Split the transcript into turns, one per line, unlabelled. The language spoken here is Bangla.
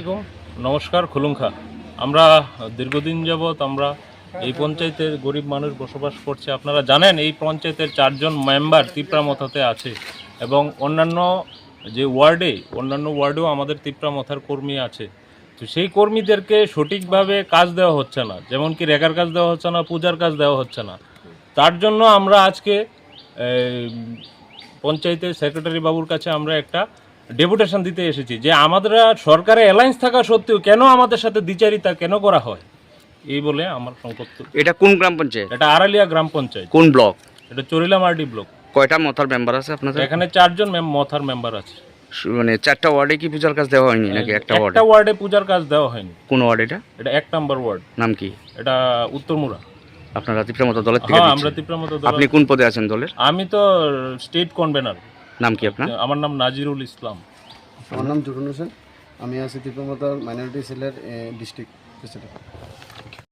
নমস্কার খুলুমখা। আমরা দীর্ঘদিন যাবৎ আমরা এই পঞ্চায়েতের গরিব মানুষ বসবাস করছে। আপনারা জানেন এই পঞ্চায়েতের 4 জন মেম্বার তিপ্রামথাতে আছে এবং অন্যান্য ওয়ার্ডেও আমাদের তিপ্রামথার কর্মী আছে। তো সেই কর্মীদেরকে সঠিকভাবে কাজ দেওয়া হচ্ছে না, যেমন কি রেগার কাজ দেওয়া হচ্ছে না, পূজার কাজ দেওয়া হচ্ছে না। তার জন্য আমরা আজকে পঞ্চায়েতের সেক্রেটারি বাবুর কাছে আমরা একটা ডেপুটেশন দিতে এসেছি যে আমাদের সরকারে অ্যালায়েন্স থাকা সত্ত্বেও কেন আমাদের সাথে দ্বিচারিতা কেন করা হয়, এই বলে আমার সংকট।
এটা কোন গ্রাম পঞ্চায়েত?
এটা আড়ালিয়া গ্রাম পঞ্চায়েত।
কোন ব্লক?
এটা চরিলামার্ডি ব্লক।
কয়টা মথার মেম্বার আছে আপনাদের?
এখানে 4 জন মথার মেম্বার আছে।
মানে 4টা ওয়ার্ডে কি পূজার কাজ দেওয়া হয়নি নাকি একটা ওয়ার্ডে?
একটা ওয়ার্ডে পূজার কাজ দেওয়া হয়নি।
কোন ওয়ার্ড এটা?
এটা 1 নম্বর ওয়ার্ড।
নাম কি?
এটা উত্তরমুড়া।
আপনারা তিপ্রামথা দলের থেকে?
হ্যাঁ, আমরা তিপ্রামথা দল।
আপনি কোন পদে আছেন দলের?
আমি তো স্টেট কনভেনার।
নাম কি আপনার?
আমার নাম নাজিরুল ইসলাম।
আমার নাম জুরুন হোসেন। আমি আছি তিপ্রামথার মাইনরিটি সেলের ডিস্ট্রিক্ট প্রেসিডেন্ট।